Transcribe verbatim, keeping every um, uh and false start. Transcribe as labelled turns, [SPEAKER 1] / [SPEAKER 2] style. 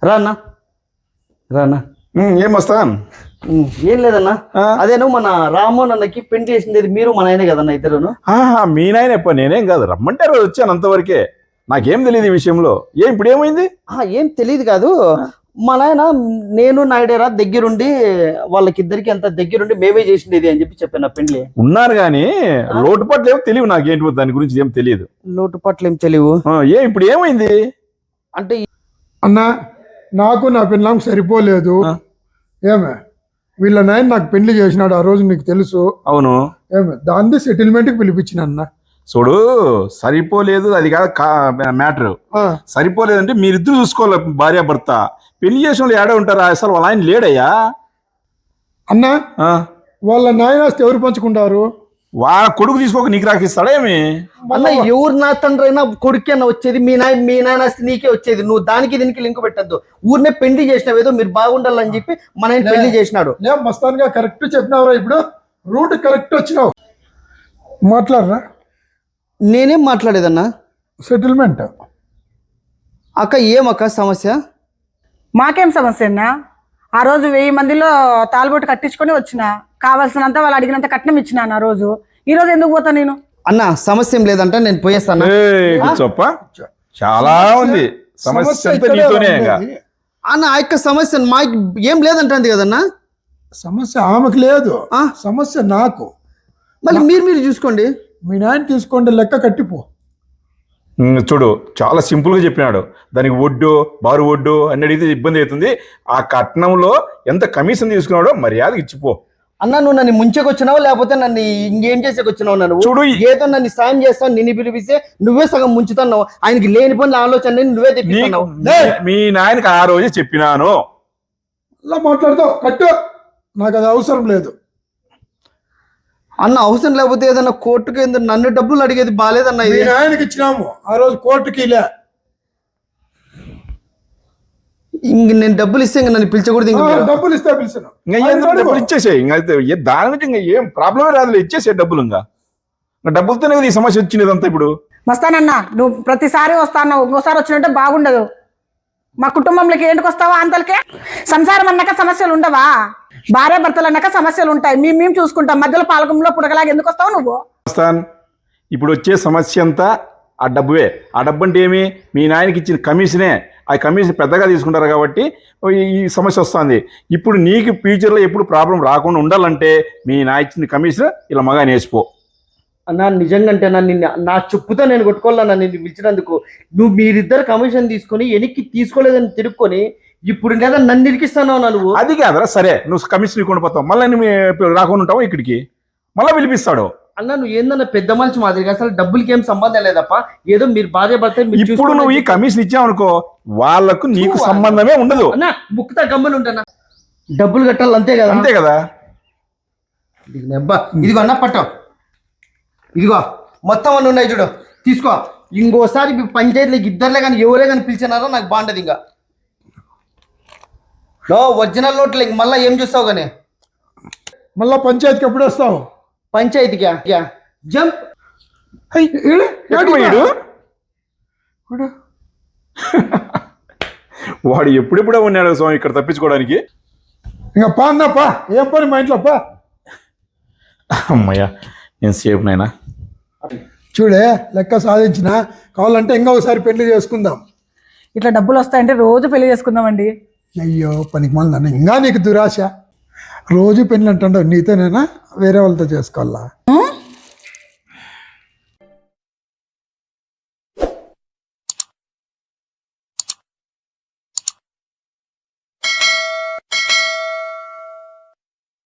[SPEAKER 1] రానా రానా
[SPEAKER 2] ఏం వస్తాను
[SPEAKER 1] ఏం లేదన్నా అదేను మన రామోన్ అన్నకి పెళ్లి చేసింది మీరు మన ఆయనే కదన్నా ఇద్దరును.
[SPEAKER 2] మీ నాయన ఎప్పుడు నేనేం కాదు రమ్మంటే రోజు వచ్చాను అంతవరకే. నాకేం తెలియదు ఈ విషయంలో. ఏం ఇప్పుడు ఏమైంది?
[SPEAKER 1] ఏం తెలియదు కాదు, మా నాయన నేను నాయుడేరా దగ్గరుండి వాళ్ళకిద్దరికి అంత దగ్గరుండి మేమే చేసిండేది అని చెప్పి చెప్పాను. పెళ్లి
[SPEAKER 2] ఉన్నారు కానీ లోటుపాట్లు ఏమో తెలియదు నాకేంటి, దాని గురించి ఏం తెలియదు.
[SPEAKER 1] లోటుపాట్లు ఏం తెలియవు.
[SPEAKER 2] ఏ ఇప్పుడు ఏమైంది
[SPEAKER 1] అంటే
[SPEAKER 3] అన్నా నాకు నా పిల్లం సరిపోలేదు. ఏమే వీళ్ళ నాయన నాకు పెళ్లి చేసినాడు ఆ రోజు, నీకు తెలుసు.
[SPEAKER 2] అవును.
[SPEAKER 3] ఏమే దాన్ని సెటిల్మెంట్కి పిలిపించిన అన్న.
[SPEAKER 2] చూడు సరిపోలేదు అది కాదు మ్యాటర్. సరిపోలేదంటే మీరిద్దరు చూసుకోవాలి, భార్య భర్త. పెళ్లి చేసిన వాళ్ళు ఏడే ఉంటారా? అసలు వాళ్ళ ఆయన లేడయ్యా.
[SPEAKER 3] అన్నా వాళ్ళ నాయనాస్తి ఎవరు పంచుకుంటారు?
[SPEAKER 2] వాళ్ళ కొడుకు తీసుకోక నీకు రాకిస్తాడా ఏమి?
[SPEAKER 1] అన్న ఎవరు నా తండ్రి అయినా కొడుకు అన్న వచ్చేది, మీ నాయన మీ నాయన నీకే వచ్చేది. నువ్వు దానికి దీనికి లింక్ పెట్టద్దు. ఊరినే పెళ్లి చేసినావు, ఏదో మీరు బాగుండాలని చెప్పి మన ఆయన పెళ్లి చేసినాడు.
[SPEAKER 3] నేను మస్తాన్గా కరెక్ట్ చెప్పినావురా, ఇప్పుడు రూట్ కరెక్ట్ వచ్చినావు. మాట్లాడరా.
[SPEAKER 1] నేనేం మాట్లాడేదన్నా?
[SPEAKER 3] సెటిల్మెంట్.
[SPEAKER 1] అక్క ఏమక్క సమస్య?
[SPEAKER 4] మాకేం సమస్య అన్నా? ఆ రోజు వెయ్యి మందిలో తాళబొట్టు కట్టించుకొని వచ్చిన, కావాల్సినంత వాళ్ళు అడిగినంత కట్నం ఇచ్చినాను. ఆ రోజు ఈ రోజు ఎందుకు పోతా నేను?
[SPEAKER 1] అన్న సమస్య ఏం లేదంట, నేను పోయేస్తాను.
[SPEAKER 2] చెప్ప చాలా ఉంది సమస్య.
[SPEAKER 1] అన్న ఆ యొక్క సమస్య మాకు ఏం లేదంటుంది కదన్నా.
[SPEAKER 3] సమస్య ఆమెకు లేదు, సమస్య నాకు.
[SPEAKER 1] మళ్ళీ మీరు మీరు చూసుకోండి.
[SPEAKER 3] మీ నాయన తీసుకోండి, లెక్క కట్టిపో.
[SPEAKER 2] చూడు చాలా సింపుల్గా చెప్పినాడు. దానికి వడ్డు బారు వడ్డు అని అడిగితే ఇబ్బంది అవుతుంది. ఆ కట్నంలో ఎంత కమిషన్ తీసుకున్నాడో మర్యాద ఇచ్చిపో.
[SPEAKER 1] అన్న నువ్వు నన్ను ముంచెకొచ్చినావు, లేకపోతే నన్ను ఇంకేం చేసేకొచ్చినావు? నన్ను
[SPEAKER 2] చూడు
[SPEAKER 1] ఏదో నన్ను సాయం చేస్తావు, నిన్ను పిలిపిస్తే నువ్వే సగం ముంచుతున్నావు. ఆయనకి లేని పనుల ఆలోచన నువ్వే తెప్పిస్తున్నావు.
[SPEAKER 2] మీ నాయనకి ఆ రోజే చెప్పినాను.
[SPEAKER 3] అలా మాట్లాడతావు కట్టు, నాకు అది అవసరం లేదు.
[SPEAKER 1] అన్న అవసరం లేకపోతే ఏదన్నా కోర్టుకి ఎందుకు నన్ను డబ్బులు అడిగేది బాగాలేదన్న. ఇది
[SPEAKER 3] ఆయనకి ఇచ్చినాము ఆ రోజు కోర్టుకి. లే
[SPEAKER 1] ఇంక నేను డబ్బులు ఇస్తే ఇంక నన్ను పిలిచకూడదు. ఇంకా
[SPEAKER 3] డబ్బులు ఇస్తే పిలిచాను,
[SPEAKER 2] డబ్బులు ఇచ్చేసే. ఇంకా దాని నుంచి ఇంకా ఏం ప్రాబ్లమే రాదు, ఇచ్చేసే డబ్బులు. ఇంకా డబ్బులతోనే ఈ సమస్య వచ్చినదంతా. ఇప్పుడు
[SPEAKER 4] వస్తానన్నా, నువ్వు ప్రతిసారి వస్తాను, ఇంకోసారి వచ్చినట్టే బాగుండదు. మా కుటుంబంలోకి ఏంటికి వస్తావా? అంతలకే సంసారం అన్నాక సమస్యలు ఉండవా? భార్య భర్తలు అన్నాక సమస్యలు ఉంటాయి. మేము మేము చూసుకుంటాం. మధ్యలో పాలకంలో పుడకలాగా ఎందుకు వస్తావు నువ్వు?
[SPEAKER 2] వస్తాను. ఇప్పుడు వచ్చే సమస్య అంతా ఆ డబ్బువే. ఆ డబ్బు అంటే ఏమి? మీ నాయనకి ఇచ్చిన కమిషనే. ఆ కమిషన్ పెద్దగా తీసుకుంటారు కాబట్టి ఈ సమస్య వస్తుంది. ఇప్పుడు నీకు ఫ్యూచర్లో ఎప్పుడు ప్రాబ్లం రాకుండా ఉండాలంటే మీ నాయన ఇచ్చిన కమిషన్ ఇలా మగా నేసిపో.
[SPEAKER 1] అన్న నిజంగా అంటే నన్ను నా చెప్పుతో నేను కొట్టుకోవాలన్నా నిన్ను పిలిచినందుకు. నువ్వు మీరిద్దరు కమిషన్ తీసుకొని వెనక్కి తీసుకోలేదని తిరుక్కొని ఇప్పుడు లేదా నన్ను ఇరికిస్తాను నువ్వు.
[SPEAKER 2] అది కాదరా, సరే నువ్వు కమిషన్ ఇవ్వకుండా పోతావు, మళ్ళీ నువ్వు రాకుండా ఉంటావు ఇక్కడికి, మళ్ళీ పిలిపిస్తాడు.
[SPEAKER 1] అన్న నువ్వు ఏందన్నా పెద్ద మనిషి మాదిరిగా, అసలు డబ్బులకి ఏం సంబంధం లేదప్ప. ఏదో మీరు భార్య భర్త.
[SPEAKER 2] ఇప్పుడు నువ్వు ఈ కమిషన్ ఇచ్చావు అనుకో, వాళ్ళకు నీకు సంబంధమే ఉండదు.
[SPEAKER 1] అన్న ముక్కుతా గమ్మలు ఉంటానా? డబ్బులు కట్టాలి అంతే కదా.
[SPEAKER 2] అంతే కదా.
[SPEAKER 1] ఇదిగో అన్న పట్టావు, ఇదిగో మొత్తం అన్నీ ఉన్నాయి చూడు, తీసుకో. ఇంకోసారి పంచాయతీలకు ఇద్దరులే కానీ ఎవరే కానీ పిలిచినారో నాకు బాగుండదు. ఇంకా నో ఒరిజినల్ నోట్లు ఇంక మళ్ళీ ఏం చూస్తావు కానీ.
[SPEAKER 3] మళ్ళా పంచాయతీకి ఎప్పుడు వస్తావు?
[SPEAKER 1] పంచాయతీకి జంప్.
[SPEAKER 2] వాడు ఎప్పుడెప్పుడే ఉన్నాడు స్వామి ఇక్కడ తప్పించుకోవడానికి.
[SPEAKER 3] ఇంకా పా అన్నప్పా, ఏం పని మా ఇంట్లో పా.
[SPEAKER 2] అమ్మయ్యా నేను సేఫ్ నైనా.
[SPEAKER 3] చూడే లెక్క సాధించిన, కావాలంటే ఇంకా ఒకసారి పెళ్లి చేసుకుందాం.
[SPEAKER 4] ఇట్లా డబ్బులు వస్తాయంటే రోజు పెళ్లి చేసుకుందామండి.
[SPEAKER 3] అయ్యో పనికి మళ్ళీ ఇంకా నీకు దురాశ. రోజు పెళ్ళి అంటుండవు, నీతోనేనా వేరే వాళ్ళతో చేసుకోవాలా?